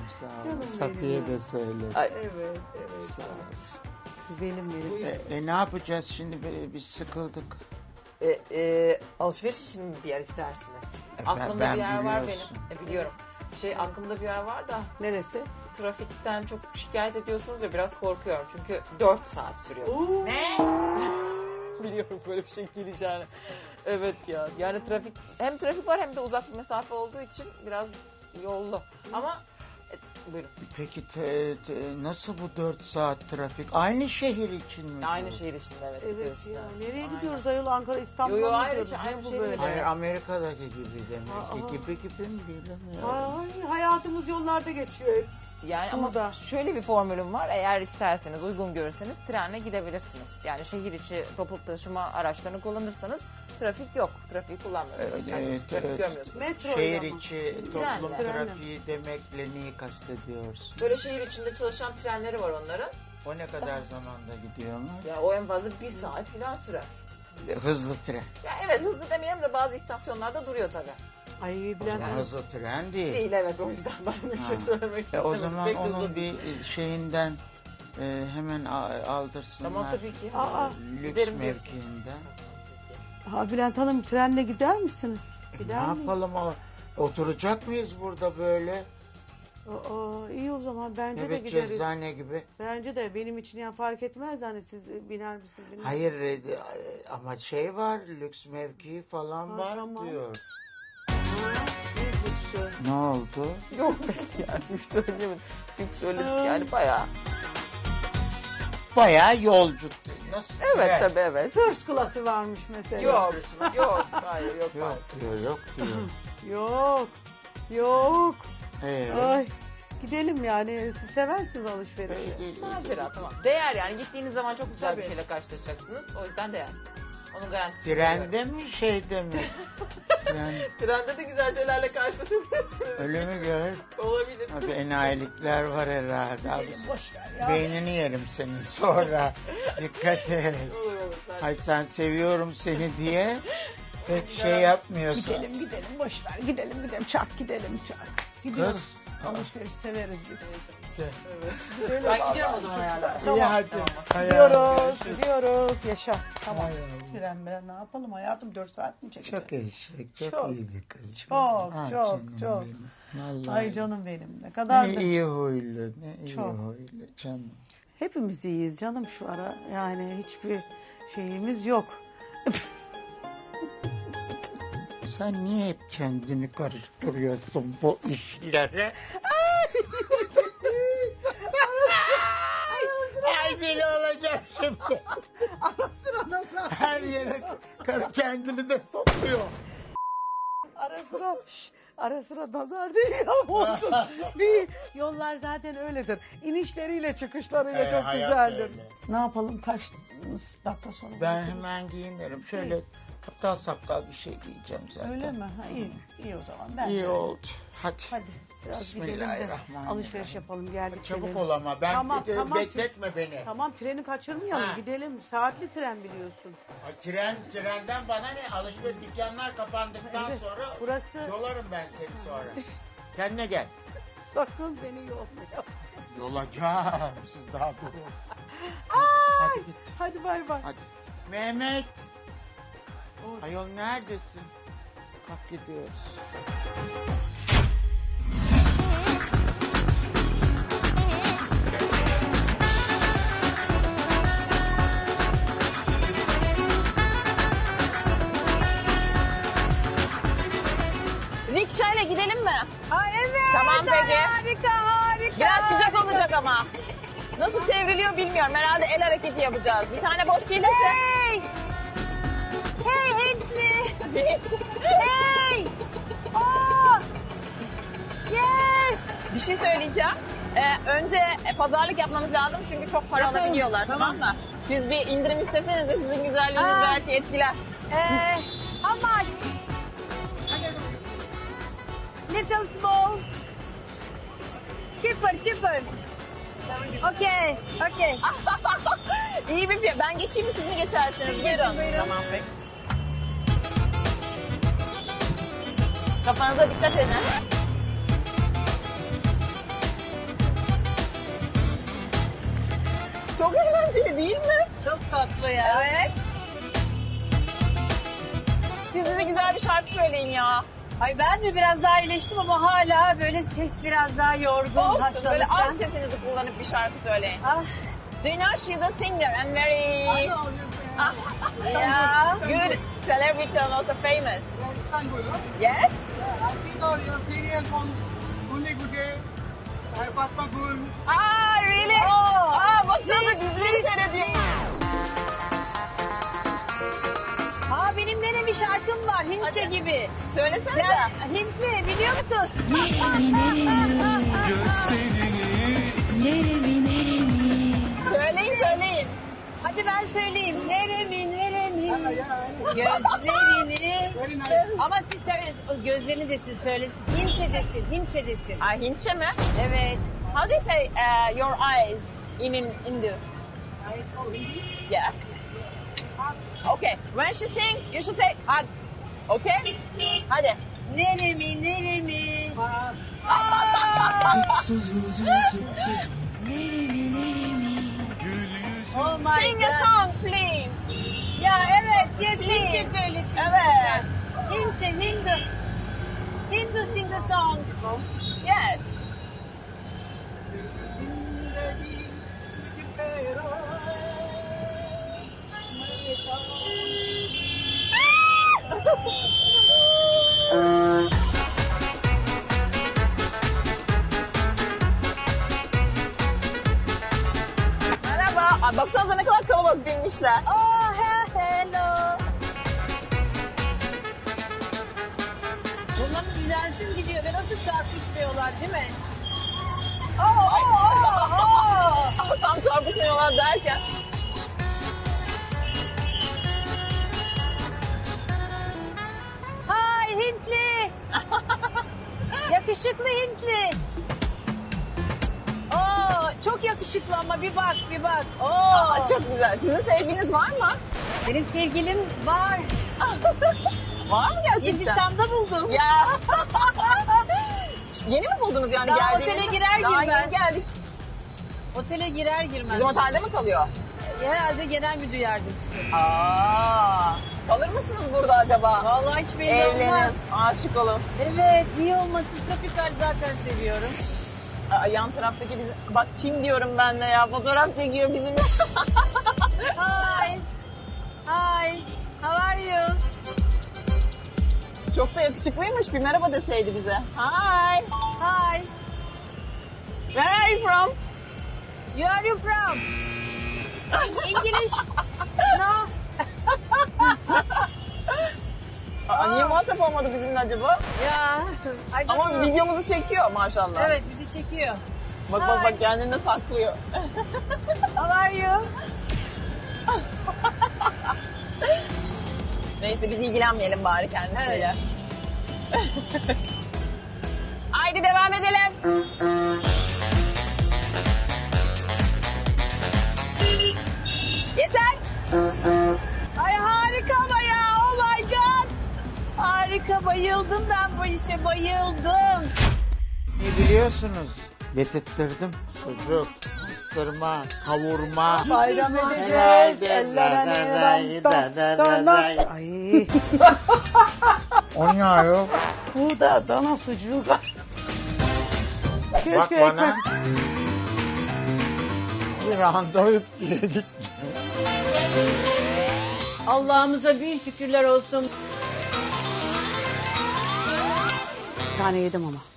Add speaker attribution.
Speaker 1: sağ ol.
Speaker 2: Canım
Speaker 1: Safiye
Speaker 2: benim
Speaker 1: de
Speaker 2: ya.
Speaker 1: söyledi.
Speaker 3: Ay.
Speaker 2: Evet, evet.
Speaker 1: Sağ ol.
Speaker 2: Güzelim benim.
Speaker 1: Ne yapacağız şimdi? Biz sıkıldık.
Speaker 3: Alışveriş için mi bir yer istersiniz?
Speaker 1: Ben-
Speaker 3: Aklımda
Speaker 1: ben
Speaker 3: bir yer var
Speaker 1: biliyorsun.
Speaker 3: benim. Biliyorum. Aklımda bir yer var da
Speaker 2: Neresi?
Speaker 3: trafikten çok şikayet ediyorsunuz ya biraz korkuyorum. Çünkü 4 saat sürüyor.
Speaker 1: Ne?
Speaker 3: Biliyorum böyle bir şey geleceğini. Evet ya. Yani hem trafik var hem de uzak bir mesafe olduğu için biraz yollu. Ama buyurun.
Speaker 1: Peki nasıl bu 4 saat trafik? Aynı şehir için mi?
Speaker 3: Aynı
Speaker 1: bu?
Speaker 3: şehir içinde evet.
Speaker 2: Evet
Speaker 3: gidiyoruz
Speaker 2: ya.
Speaker 3: biraz.
Speaker 2: Nereye
Speaker 3: Aynen.
Speaker 2: gidiyoruz ayol? Ankara, İstanbul'a
Speaker 3: Yo,
Speaker 2: mı
Speaker 3: ayrı
Speaker 2: gidiyoruz?
Speaker 3: şey,
Speaker 2: Ne
Speaker 3: aynı
Speaker 2: bu
Speaker 3: şey
Speaker 2: böyle?
Speaker 3: değil.
Speaker 1: Hayır, Amerika'daki gibi demek
Speaker 2: Aa.
Speaker 1: ki. Gibi mi bilemiyorum.
Speaker 2: Ay, hayatımız yollarda geçiyor hep.
Speaker 3: Yani
Speaker 2: Burada.
Speaker 3: ama şöyle bir formülüm var. Eğer isterseniz, uygun görürseniz trenle gidebilirsiniz. Yani şehir içi toplu taşıma araçlarını kullanırsanız trafik yok. Trafiği kullanmıyorsunuz. Yani
Speaker 1: Evet,
Speaker 3: trafik
Speaker 1: evet.
Speaker 3: görmüyorsunuz.
Speaker 2: Metro
Speaker 1: Şehir
Speaker 2: ile mi?
Speaker 1: içi
Speaker 3: Trenle.
Speaker 1: toplum
Speaker 2: Trenle.
Speaker 1: trafiği demekle neyi kastediyorsun?
Speaker 3: Böyle şehir içinde çalışan trenleri var onların.
Speaker 1: O ne kadar zamanda gidiyorlar?
Speaker 3: Ya o en fazla 1 saat falan sürer.
Speaker 1: Hızlı tren.
Speaker 3: Ya evet hızlı demeyelim de bazı istasyonlarda duruyor tabii.
Speaker 2: Ay
Speaker 1: O
Speaker 2: Bülent
Speaker 1: zaman
Speaker 2: Hanım.
Speaker 1: hızlı tren değil.
Speaker 3: Değil evet o yüzden ben bir şey söylemek istemedim.
Speaker 1: O zaman
Speaker 3: Pek hızlı
Speaker 1: onun
Speaker 3: değil.
Speaker 1: bir şeyinden hemen aldırsınlar.
Speaker 3: Tamam tabii ki.
Speaker 2: Aa,
Speaker 1: Lüks
Speaker 3: giderim diyorsun.
Speaker 1: mevkiinden.
Speaker 2: Ha Bülent Hanım trenle gider misiniz?
Speaker 1: Ne
Speaker 2: Gider miyiz?
Speaker 1: yapalım? Oturacak mıyız burada böyle?
Speaker 2: Aa, iyi o zaman bence de
Speaker 1: Evet,
Speaker 2: gideriz.
Speaker 1: cezzane gibi.
Speaker 2: Bence de benim için ya fark etmez hani siz biner misiniz? Biner.
Speaker 1: Hayır ama şey var, lüks mevki falan
Speaker 2: Ha,
Speaker 1: var
Speaker 2: tamam.
Speaker 1: diyor.
Speaker 2: İyi lüksü.
Speaker 1: Ne oldu?
Speaker 3: Yok pek yani bir söyleyemedim. Çünkü söyledik yani bayağı.
Speaker 1: Bayağı yolcu. Nasıl?
Speaker 3: Evet
Speaker 1: tren?
Speaker 3: tabii evet.
Speaker 2: First class'ı varmış mesela.
Speaker 3: Yok yok hayır yok.
Speaker 1: Yok
Speaker 3: maalesef.
Speaker 1: diyor, yok diyor.
Speaker 2: Yok. Yok.
Speaker 1: Evet.
Speaker 2: Ay. Gidelim yani. Siz seversiniz alışverişi.
Speaker 3: Macera tamam. Değer yani gittiğiniz zaman çok güzel
Speaker 2: Tabii.
Speaker 3: bir şeyle karşılaşacaksınız. O yüzden değer. Onun garantisini veriyorum.
Speaker 1: Trende mi şeyde mi?
Speaker 3: Trende de güzel şeylerle karşılaşabilirsiniz.
Speaker 1: Öyle mi gör?
Speaker 3: Olabilir.
Speaker 1: Abi enayilikler var herhalde. Abi,
Speaker 2: Boş ver ya.
Speaker 1: beynini yerim senin sonra. Dikkat et.
Speaker 3: Olur olur.
Speaker 1: Ay sen seviyorum seni diye pek şey yapmıyorsun.
Speaker 2: Gidelim boş ver. Gidelim çak gidelim çak. Gidiyoruz.
Speaker 1: Kız.
Speaker 2: Alışveriş severiz biz.
Speaker 1: Gel.
Speaker 3: Ben gidiyorum o zaman ayarlar.
Speaker 1: İyi hadi.
Speaker 2: Gidiyoruz. Yaşa. Tamam.
Speaker 1: Hay Allah.
Speaker 2: Tren ne yapalım hayatım 4 saat mi çekecek?
Speaker 1: Çok eşek, çok
Speaker 2: Çok.
Speaker 1: iyi bir kız.
Speaker 2: Çok,
Speaker 1: Ah,
Speaker 2: çok,
Speaker 1: canım
Speaker 2: çok.
Speaker 1: benim. Vallahi.
Speaker 2: Ay canım benim ne kadar
Speaker 1: Ne
Speaker 2: da.
Speaker 1: iyi huylu, ne iyi
Speaker 2: Çok.
Speaker 1: huylu canım.
Speaker 2: Hepimiz iyiyiz canım şu ara. Yani hiçbir şeyimiz yok.
Speaker 1: Sen niye hep kendini karıştırıyorsun bu işlere? Ay deli olacağım şimdi. Her yere karı kendini de sokuyor.
Speaker 2: Ara sıra nazar değil ama olsun. Bir yollar zaten öyledir. İnişleriyle çıkışlarıyla çok
Speaker 1: hayat
Speaker 2: güzeldir.
Speaker 1: öyle.
Speaker 2: Ne yapalım kaç dakika sonra?
Speaker 1: Ben
Speaker 2: görüşürüz?
Speaker 1: hemen giyinirim. Şöyle aptal saptal bir şey giyeceğim zaten.
Speaker 2: Öyle mi? Ha, iyi. İyi o zaman. Ben
Speaker 1: İyi
Speaker 2: de.
Speaker 1: oldu. Hadi.
Speaker 2: Hadi biraz gidelim de
Speaker 1: Bismillahirrahmanirrahim.
Speaker 2: alışveriş yapalım geldik.
Speaker 1: Çabuk
Speaker 2: gelelim.
Speaker 1: ol ama. Ben
Speaker 2: Tamam, tamam.
Speaker 1: bekletme beni.
Speaker 2: Tamam treni kaçırmayalım
Speaker 1: Ha.
Speaker 2: gidelim. Saatli tren biliyorsun.
Speaker 1: Ay, trenden bana ne? Alışveriş dükkanlar kapandıktan
Speaker 2: Evet,
Speaker 1: sonra
Speaker 2: burası-
Speaker 1: yolarım ben seni sonra. Kendine gel.
Speaker 2: Sakın beni yormayalım.
Speaker 1: Yolacağım. Siz daha durun. Hadi git.
Speaker 2: Hadi bay bay.
Speaker 1: Hadi. Mehmet.
Speaker 2: Oy.
Speaker 1: Ayol neredesin? Kalk gidiyoruz.
Speaker 4: Rikşayla gidelim mi?
Speaker 2: Ay evet.
Speaker 4: Tamam peki.
Speaker 2: Harika.
Speaker 4: Biraz sıcak olacak ama. Nasıl çevriliyor bilmiyorum. Herhalde el hareketi yapacağız. Bir tane boş gelirse.
Speaker 2: Hey. Hey Hintli. Hey. Oh. Yes.
Speaker 4: Bir şey söyleyeceğim. Önce pazarlık yapmamız lazım çünkü çok para
Speaker 2: Yapalım.
Speaker 4: alabiliyorlar tamam mı? Siz bir indirim isteseniz de sizin güzelliğiniz
Speaker 2: Aa.
Speaker 4: belki etkiler.
Speaker 2: How much? Little small. Cheaper. Okay.
Speaker 4: İyi bir fiyat. Ben geçeyim mi siz mi geçersiniz? Buyurun. Tamam peki. Kafanıza dikkat edin.
Speaker 2: tatlı ya.
Speaker 4: Evet. Siz de güzel bir şarkı söyleyin ya.
Speaker 2: Ay ben mi biraz daha iyileştim ama hala böyle ses biraz daha yorgun
Speaker 4: Olsun,
Speaker 2: hastalıktan.
Speaker 4: böyle az sesinizi kullanıp bir şarkı söyleyin.
Speaker 2: Ah,
Speaker 4: Do you know she's a singer and very
Speaker 2: ya.
Speaker 4: good celebrity and also famous?
Speaker 5: Istanbul, no?
Speaker 4: Yes?
Speaker 5: I see all your serial from Only Good Day, Fatma Gul.
Speaker 4: Aa, really? Baksana dizileri seyrediyor.
Speaker 2: Aa benim gene bir şarkım var Hintçe gibi.
Speaker 4: Söylesene.
Speaker 2: Ben Hintli biliyor musun?
Speaker 4: Söyleyin.
Speaker 2: Hadi ben söyleyeyim. Neremi neremi gözlerini.
Speaker 5: Very nice.
Speaker 2: Ama siz o gözlerini desin söylesin. Hintçe desin, Hintçe desin.
Speaker 4: Aa, Hintçe mi?
Speaker 2: Evet.
Speaker 4: How do you say your eyes in Hindu? Yes. Okay. When she sing, you should say hug. Okay? Hadi.
Speaker 2: Neremi neremi. Oh my
Speaker 4: Sing a
Speaker 2: God.
Speaker 4: song, please.
Speaker 2: Ya evet, yes, Hintçe söylesin.
Speaker 4: Evet.
Speaker 2: Hintçe, Hindu. Hindu sing the song.
Speaker 4: Yes. Merhaba. Aa, baksanıza ne kadar kalabalık binmişler.
Speaker 2: Oh, hello. Bunların düzensiz gidiyor ve nasıl çarpışmıyorlar değil mi?
Speaker 4: Tam çarpışıyorlar derken.
Speaker 2: Hay Hintli. Yakışıklı Hintli. Oo, çok yakışıklı ama bir bak bir bak. Oo.
Speaker 4: Aa, çok güzel. Sizin sevginiz var mı?
Speaker 2: Benim sevgilim var.
Speaker 4: Var mı gerçekten?
Speaker 2: Hindistan'da buldum.
Speaker 4: Ya. Yeni mi buldunuz yani
Speaker 2: Daha
Speaker 4: geldiğinizde?
Speaker 2: otele girer
Speaker 4: Daha
Speaker 2: girmez.
Speaker 4: yeni geldik.
Speaker 2: Otele girer girmez.
Speaker 4: Bizim otelde mi kalıyor?
Speaker 2: Herhalde genel müdür yardımcısı.
Speaker 4: Aa. Kalır mısınız burada acaba?
Speaker 2: Vallahi hiç belli
Speaker 4: Evlenin,
Speaker 2: olmaz.
Speaker 4: aşık olun.
Speaker 2: Evet, niye olmasın? Tropikal zaten seviyorum.
Speaker 4: Aa, yan taraftaki bizim... Bak kim diyorum ben de ya, fotoğraf çekiyor bizim.
Speaker 2: Hi. Hi. How are you?
Speaker 4: Çok da yakışıklıymış, bir merhaba deseydi bize. Hi.
Speaker 2: Hi.
Speaker 4: Where are you from?
Speaker 2: You are you from? English? No.
Speaker 4: Aa, niye muhatap olmadı bizimle acaba?
Speaker 2: Ya. I don't
Speaker 4: Ama
Speaker 2: know.
Speaker 4: videomuzu çekiyor maşallah.
Speaker 2: Evet, bizi çekiyor.
Speaker 4: Bak bak bak kendini de saklıyor.
Speaker 2: How are you?
Speaker 4: Neyse biz ilgilenmeyelim bari kendisiyle. Haydi devam edelim. Yeter.
Speaker 2: Ay harika ama ya. Oh my god. Harika, bayıldım ben bu işe, bayıldım.
Speaker 1: Biliyorsunuz getirttirdim. Sucuk, pastırma, kavurma.
Speaker 3: Bayram
Speaker 1: edeceğiz,
Speaker 3: Ay.
Speaker 1: O ne ayol?
Speaker 3: Bu da dana sucuğu.
Speaker 1: Bak bana. Bir anda yedik.
Speaker 2: Allah'ımıza bin şükürler olsun.
Speaker 3: Bir tane yedim ama.